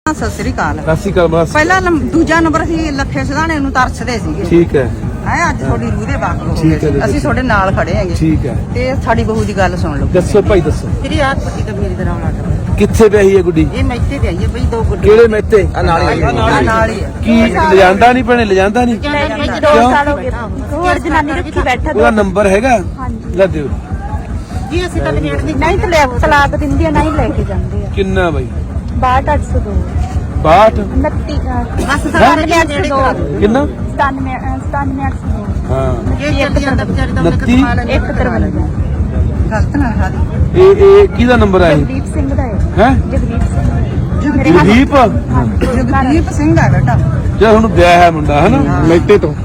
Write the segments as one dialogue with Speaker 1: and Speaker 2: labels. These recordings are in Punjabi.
Speaker 1: ਸਤਿ ਸ੍ਰੀ ਅਕਾਲ।
Speaker 2: ਸਤਿ ਸ਼੍ਰੀ ਅਕਾਲ ਮਾਸੀ।
Speaker 1: ਪਹਿਲਾ ਦੂਜਾ ਨੰਬਰ ਸੀ ਲੱਖੇ ਸਿਧਾਣੇ ਨੂੰ ਤਰਸਦੇ ਸੀਗੇ।
Speaker 2: ਠੀਕ ਹੈ।
Speaker 1: ਅੱਜ ਤੁਹਾਡੀ ਰੂਹ ਦੇ ਬਾਕੀ ਹੋ
Speaker 2: ਠੀਕ ਹੈ
Speaker 1: ਗਏ। ਅਸੀਂ ਤੁਹਾਡੇ ਨਾਲ ਖੜੇ ਹੈਗੇ।
Speaker 2: ਠੀਕ ਹੈ।
Speaker 1: ਤੇ ਸਾਡੀ ਬਹੂ ਦੀ ਗੱਲ ਸੁਣ ਲਓ।
Speaker 2: ਦੱਸੋ ਭਾਈ ਦੱਸੋ।
Speaker 1: ਤੇਰੀ ਆਹ ਪੱਟੀ ਤਾਂ ਮੇਰੀ ਤਰ੍ਹਾਂ ਲੱਗ
Speaker 2: ਕਿੱਥੇ ਪਈ ਹੈ ਗੁੱਡੀ?
Speaker 1: ਇਹ ਮੈਥੇ ਤੇ ਆਈ ਹੈ ਬਈ, ਦੋ ਗੁੱਡੀ।
Speaker 2: ਕਿਹੜੇ ਮੈਥੇ?
Speaker 1: ਨਾਲ ਹੀ ਹੈ।
Speaker 2: ਕੀ ਲਿਜਾਂਦਾ ਨਹੀਂ ਭੈਣੇ, ਲਿਜਾਂਦਾ ਨਹੀਂ?
Speaker 3: 2 ਸਾਲ ਹੋ ਗਏ। ਹੋਰ ਜਨਾਨੀ ਰੱਖੀ ਬੈਠਾ।
Speaker 2: ਉਹਦਾ ਨੰਬਰ ਹੈਗਾ? ਲੈ ਦਿਓ
Speaker 1: ਜੀ। ਅਸੀਂ ਤਾਂ ਨੇੜ ਦੀ
Speaker 3: ਨਹੀਂ ਤਲਾਕ ਦਿੰਦੀ ਆ, ਨਹੀਂ ਲੈ ਕੇ ਜਾਂਦੇ ਆ।
Speaker 2: ਕਿੰਨਾ ਬਾਈ?
Speaker 3: 62802
Speaker 2: 62
Speaker 1: ਬਸ ਸਾਰੇ ਨੇੜੇ ਕਰਾ ਦਿਓ।
Speaker 2: ਕਿੰਨਾ?
Speaker 3: 97
Speaker 2: ਹਾਂ
Speaker 1: ਇਹ ਚੱਲ ਜਾਂਦਾ ਵਿਚਾਰੀ ਦਾ ਉਹਨੇ
Speaker 2: 29
Speaker 1: ਕਮਾ ਲੈਣੀ।
Speaker 3: 153
Speaker 1: ਗਲਤ ਨਾ ਖਾ ਦੀ।
Speaker 2: ਇਹ ਕਿਹਦਾ ਨੰਬਰ ਹੈ?
Speaker 3: ਜਗਦੀਪ ਸਿੰਘ ਦਾ ਹੈ।
Speaker 2: ਹੈ
Speaker 3: ਜਗਦੀਪ ਸਿੰਘ
Speaker 2: ਜਗਦੀਪ?
Speaker 1: ਜਗਦੀਪ ਸਿੰਘ ਹੈ ਬੇਟਾ।
Speaker 2: ਜੇ ਹੁਣ ਵਿਆਹ ਹੈ ਮੁੰਡਾ ਹੈ ਨਾ ਮੈਟੇ ਤੋਂ।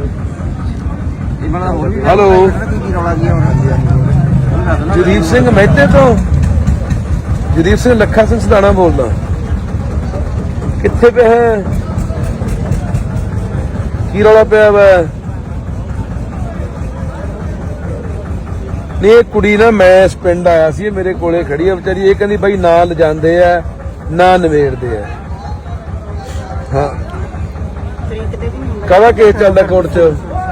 Speaker 2: ਹੈਲੋ ਜਗਦੀਪ ਸਿੰਘ ਮਹਿਤੇ ਤੋਂ। ਜਗਦੀਪ ਸਿੰਘ ਲੱਖਾ ਸਿੰਘ ਸਿਧਾਣਾ ਬੋਲਦਾ। ਕਿੱਥੇ ਪਿਆ ਹੈ? ਕੀ ਰੌਲਾ ਪਿਆ ਵਾ? ਨਹੀਂ ਇਹ ਕੁੜੀ ਨਾ, ਮੈਂ ਇਸ ਪਿੰਡ ਆਇਆ ਸੀ, ਇਹ ਮੇਰੇ ਕੋਲੇ ਖੜੀ ਆ ਵਿਚਾਰੀ। ਇਹ ਕਹਿੰਦੀ ਬਾਈ ਨਾ ਲਿਜਾਂਦੇ ਆ ਨਾ ਨਵੇੜਦੇ ਆ। ਹਾਂ ਕਾਹਦਾ ਕੇਸ ਚੱਲਦਾ ਕੋਰਟ 'ਚ?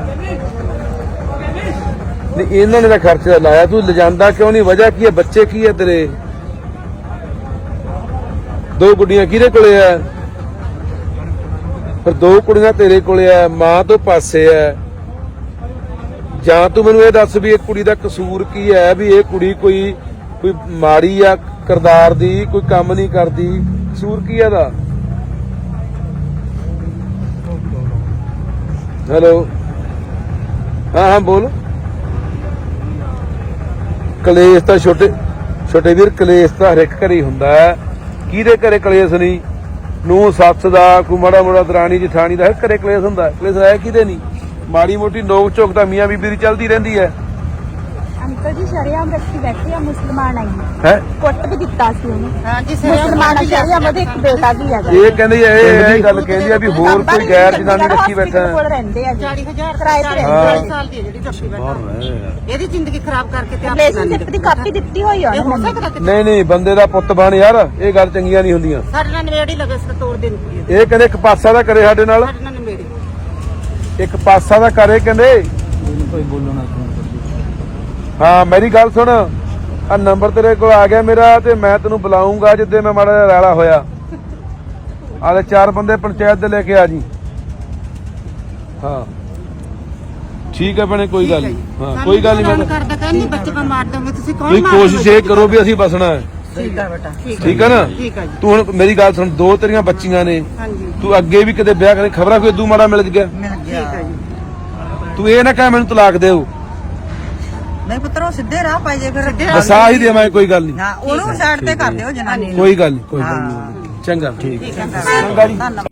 Speaker 2: ਨਹੀਂ ਇਹਨਾਂ ਨੇ ਤਾਂ ਖਰਚਾ ਲਾਇਆ, ਤੂੰ ਲਿਜਾਂਦਾ ਕਿਉਂ ਨਹੀਂ? ਵਜ੍ਹਾ ਕੀ ਹੈ? ਬੱਚੇ ਕੀ ਹੈ ਤੇਰੇ? 2 ਗੁੱਡੀਆਂ ਕਿਹਦੇ ਕੋਲੇ ਆ? ਫਿਰ 2 ਕੁੜੀਆਂ ਤੇਰੇ ਕੋਲੇ ਆ, ਮਾਂ ਤੋਂ ਪਾਸੇ ਆ। ਜਾਂ ਤੂੰ ਮੈਨੂੰ ਇਹ ਦੱਸ ਵੀ ਇਹ ਕੁੜੀ ਦਾ ਕਸੂਰ ਕੀ ਹੈ? ਵੀ ਇਹ ਕੁੜੀ ਕੋਈ ਮਾੜੀ ਆ ਕਿਰਦਾਰ ਦੀ, ਕੋਈ ਕੰਮ ਨਹੀਂ ਕਰਦੀ, ਕਸੂਰ ਕੀ ਹੈ ਇਹਦਾ? ਹੈਲੋ ਹਾਂ ਬੋਲ। ਕਲੇਸ਼ ਤਾਂ ਛੋਟੇ ਵੀਰ, ਕਲੇਸ਼ ਤਾਂ ਹਰ ਇੱਕ ਘਰੇ ਹੀ ਹੁੰਦਾ ਹੈ। ਕਿਹਦੇ ਘਰੇ ਕਲੇਸ਼ ਨਹੀਂ? ਨੂੰ ਸੱਸ ਦਾ, ਕੋਈ ਮਾੜਾ ਮੋੜਾ ਦਰਾਣੀ ਜਠਾਣੀ ਦਾ, ਹਰ ਘਰੇ ਕਲੇਸ਼ ਹੁੰਦਾ। ਕਲੇਸ਼ ਹੈ ਕਿਹਦੇ ਨਹੀਂ? ਮਾੜੀ ਮੋਟੀ ਨੋਕ ਝੋਕ ਤਾਂ ਮੀਆਂ ਬੀਬੀ ਦੀ ਚੱਲਦੀ ਰਹਿੰਦੀ ਹੈ।
Speaker 3: ਅੰਕਲ ਜੀ ਸ਼ਰੀਆਮ ਰੱਖੀ ਬੈਠੀ ਆ, ਮੁਸਲਮਾਨ ਆਈ
Speaker 2: ਹੈ
Speaker 3: ਕੁੱਟ ਵੀ ਦਿੱਤਾ ਸੀ ਉਹਨੂੰ।
Speaker 1: ਹਾਂ ਜੀ
Speaker 3: ਮੁਸਲਮਾਨ ਸ਼ਰੀਆਮ ਉਹਦੇ ਇੱਕ ਬੇਟਾ ਵੀ ਹੈਗਾ।
Speaker 2: ਇਹ ਕਹਿੰਦੀ ਇਹ ਗੱਲ ਕਹਿੰਦੀ ਆ ਵੀ ਹੋਰ ਕੋਈ ਗੈਰ ਜਨਾਨੀ ਰੱਖੀ ਬੈਠਾ।
Speaker 3: ਕੋਲ ਰਹਿੰਦੇ ਆ
Speaker 1: 40,000
Speaker 3: ਕਿਰਾਏ ਤੇ ਰਹਿੰਦੇ
Speaker 1: ਸਾਲ
Speaker 3: ਆ।
Speaker 1: ਦੀ ਹੈ ਜਿਹੜੀ ਟੱਪੀ ਬੈਠਾ। ਇਹਦੀ ਜ਼ਿੰਦਗੀ ਖਰਾਬ ਕਰਕੇ ਤੇ
Speaker 3: ਰਿਲੇਸ਼ਨਸ਼ਿਪ ਦੀ ਕਾਪੀ ਦਿੱਤੀ ਹੋਈ ਆ
Speaker 1: ਇਹ ਹੋ
Speaker 3: ਉਹਨੂੰ।
Speaker 1: ਸਕਦਾ ਕਿ
Speaker 2: ਨਹੀਂ ਬੰਦੇ ਦਾ ਪੁੱਤ ਬਣ ਯਾਰ, ਇਹ ਗੱਲ ਚੰਗੀਆਂ ਨਹੀਂ ਹੁੰਦੀਆਂ।
Speaker 1: ਸਾਡੇ ਨਾਲ ਨੇੜੇ ਲੱਗੇ ਸੀ ਤੋੜ ਦਿੰਦੀ ਹੈ।
Speaker 2: ਇਹ ਕਹਿੰਦੇ ਇੱਕ ਪਾਸਾ ਦਾ ਕਰੇ ਸਾਡੇ ਨਾਲ,
Speaker 1: ਸਾਡੇ ਨਾਲ ਨੇੜੇ
Speaker 2: ਇੱਕ ਪਾਸਾ ਦਾ ਕਰੇ ਕਹਿੰਦੇ। ਹਾਂ ਮੇਰੀ ਗੱਲ ਸੁਣ, ਆ ਨੰਬਰ ਤੇਰੇ ਕੋਲ ਆ ਗਿਆ ਮੇਰਾ, ਤੇ ਮੈਂ ਤੈਨੂੰ ਬੁਲਾਉਂਗਾ ਜਿੱਦੇ ਮੈਂ ਮਾੜਾ ਜਿਹਾ ਰੈਲਾ ਹੋਇਆ। ਆਲੇ 4 ਬੰਦੇ ਪੰਚਾਇਤ ਦੇ ਲੈ ਕੇ ਆ ਜੀ। ਹਾਂ ਠੀਕ ਹੈ ਭੈਣੇ, ਕੋਈ ਗੱਲ ਨਹੀਂ। ਹਾਂ ਕੋਈ ਗੱਲ ਨਹੀਂ।
Speaker 1: ਕਰਦਾ ਕਹਿੰਦੀ ਬੱਚੇ ਕੋ ਮਾਰ ਦੋਗੇ ਤੁਸੀਂ, ਕੌਣ
Speaker 2: ਤੁਸੀਂ
Speaker 1: ਮਾਰ
Speaker 2: ਕੋਸ਼ਿਸ਼ ਇਹ ਕਰੋ ਵੀ ਅਸੀਂ ਬਸਣਾ ਹੈ।
Speaker 1: ਠੀਕ ਹੈ ਬੇਟਾ,
Speaker 2: ਠੀਕ ਹੈ ਨਾ?
Speaker 1: ਠੀਕ ਹੈ ਜੀ।
Speaker 2: ਤੂੰ ਹੁਣ ਮੇਰੀ ਗੱਲ ਸੁਣ, 2 ਤੇਰੀਆਂ ਬੱਚੀਆਂ ਨੇ,
Speaker 1: ਹਾਂਜੀ
Speaker 2: ਤੂੰ ਅੱਗੇ ਵੀ ਕਦੇ ਵਿਆਹ ਕਰੇ, ਖਬਰਾਂ ਕੋਈ ਇਦੂ ਮਾੜਾ ਮਿਲ ਗਿਆ?
Speaker 1: ਮਿਲ ਗਿਆ। ਠੀਕ ਹੈ ਜੀ।
Speaker 2: ਤੂੰ ਇਹ ਨਾ ਕਹਿ ਮੈਨੂੰ ਤਲਾਕ ਦਿਓ।
Speaker 1: ਨਹੀਂ ਪੁੱਤਰੋ, ਸਿੱਧੇ ਰਾਹ ਪਾਈ ਜੇ ਫਿਰ।
Speaker 2: ਵਸਾ ਹੀ ਦੇਵਾਂ, ਕੋਈ ਗੱਲ ਨਹੀਂ।
Speaker 1: ਹਾਂ ਉਹਨੂੰ ਸਾਈਡ ਤੇ ਕਰ ਦਿਓ ਜਨਾਨੀ ਨੂੰ।
Speaker 2: ਕੋਈ ਗੱਲ ਨਹੀਂ, ਕੋਈ ਗੱਲ ਨਹੀਂ। ਚੰਗਾ ਠੀਕ ਹੈ। ਚੰਗਾ ਜੀ।